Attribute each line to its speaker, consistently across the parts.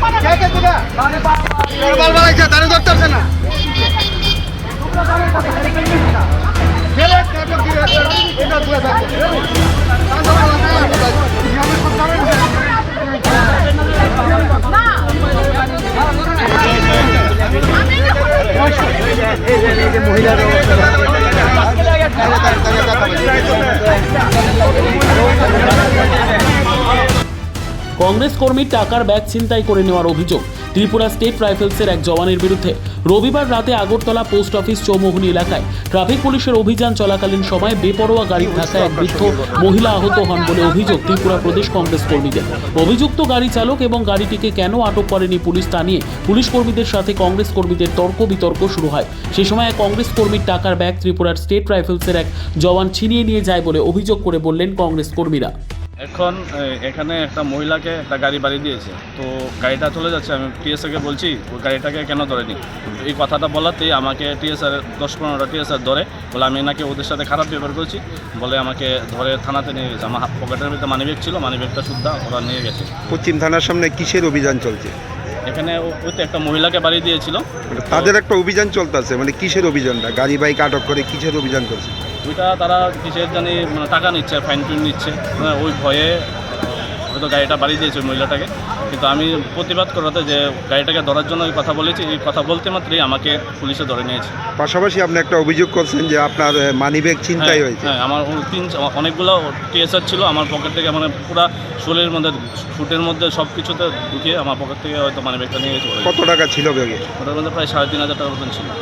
Speaker 1: কংগ্রেস কর্মীর টাকার ব্যাগ ছিনতাই করে নেওয়ার অভিযোগ ত্রিপুরা স্টেট রাইফেলসের এক জওয়ানের বিরুদ্ধে। রবিবার রাতে আগরতলা পোস্ট অফিস চৌমুহনী এলাকায় ট্রাফিক পুলিশের অভিযান চলাকালীন সময় বেপরোয়া গাড়ির ধাক্কায় এক বৃদ্ধ মহিলা আহত হন বলে অভিযোগ ত্রিপুরা প্রদেশ কংগ্রেস কর্মীদের। অভিযুক্ত গাড়ি চালক এবং গাড়িটিকে কেন আটক করেনি পুলিশ তা নিয়ে পুলিশ কর্মীদের সাথে কংগ্রেস কর্মীদের তর্ক বিতর্ক শুরু হয়। সে সময় এক কংগ্রেস কর্মীর টাকার ব্যাগ ত্রিপুরার স্টেট রাইফেলসের এক জওয়ান ছিনিয়ে নিয়ে যায় বলে অভিযোগ করে বললেন কংগ্রেস কর্মীরা।
Speaker 2: এখন এখানে একটা মহিলাকে একটা গাড়ি বাড়ি দিয়েছে, তো গাড়িটা চলে যাচ্ছে। আমি টিএসআরকে বলছি ওই গাড়িটাকে কেন ধরেনি। এই কথাটা বলাতেই আমাকে টিএসআর 10-15টা টিএসআর ধরে বলে আমি নাকি ওদের সাথে খারাপ ব্যবহার করছি বলে আমাকে ধরে থানাতে নিয়ে গেছে। আমার পকেটের ভিতরে মানিব্যাগ ছিল, মানিব্যাগটা সুদ্ধা ওরা নিয়ে গেছে।
Speaker 3: পশ্চিম থানার সামনে কিসের অভিযান চলছে?
Speaker 2: এখানে ওই তো একটা মহিলাকে বাড়ি দিয়েছিল,
Speaker 3: তাদের একটা অভিযান চলতেছে। মানে কিসের অভিযানটা? গাড়ি বাইক আটক করে কিসের অভিযান চলছে?
Speaker 2: ওইটা তারা কিসের জানি মানে টাকা নিচ্ছে, ফাইন টুইন নিচ্ছে, ওই ভয়ে হয়তো গাড়িটা বাড়ি দিয়েছে ওই মহিলাটাকে। কিন্তু আমি প্রতিবাদ করাতে যে গাড়িটাকে ধরার জন্য ওই কথা বলেছি, এই কথা বলতে মাত্রই আমাকে পুলিশে ধরে নিয়েছে।
Speaker 3: পাশাপাশি আপনি একটা অভিযোগ করছেন যে আপনার মানিব্যাগ ছিনতাই হয়েছে।
Speaker 2: হ্যাঁ, আমার অনেকগুলো টিএসআর ছিল আমার পকেট থেকে, মানে পুরো শোলের মধ্যে শুটের মধ্যে সব কিছুতে ঢুকিয়ে আমার পকেট থেকে হয়তো মানিব্যাগটা নিয়ে গেছে।
Speaker 3: কত টাকা ছিল ব্যাগে?
Speaker 2: ওটার মধ্যে প্রায় 3,500 টাকার মতন ছিল।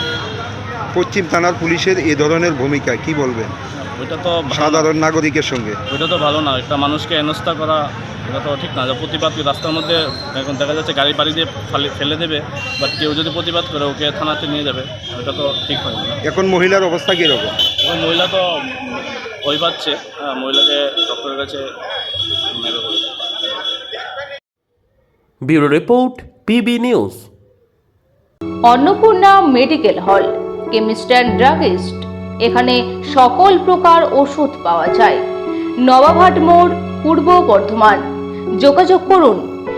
Speaker 3: পশ্চিম থানার পুলিশের এ ধরনের ভূমিকা কি বলবেন
Speaker 2: ওইটা তো
Speaker 3: সাধারণ নাগরিকের সঙ্গে?
Speaker 2: ওইটা তো ভালো না, একটা মানুষকে হেনস্থা করা এটা তো ঠিক না। প্রতিবাদ রাস্তার মধ্যে এখন দেখা যাচ্ছে গাড়ি বাড়ি দিয়ে ফেলে দেবে, বাট কেউ যদি প্রতিবাদ করে ওকে থানাতে নিয়ে যাবে, ওটা তো ঠিক হয় না।
Speaker 3: এখন মহিলার অবস্থা কীরকম?
Speaker 2: এবং মহিলা তো ভয় পাচ্ছে, মহিলাকে ডক্টরের কাছে নেবে বলে।
Speaker 4: Bureau report, PB news.
Speaker 5: Annapurna medical hall, chemist and druggist. এখানে সকল প্রকার ওষুধ পাওয়া যায়। নবাবহাট মোড়, পূর্ব বর্ধমান। যোগাযোগ করুন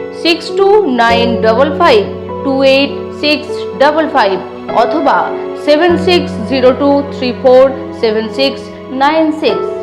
Speaker 5: 6295528655 অথবা 7602347696।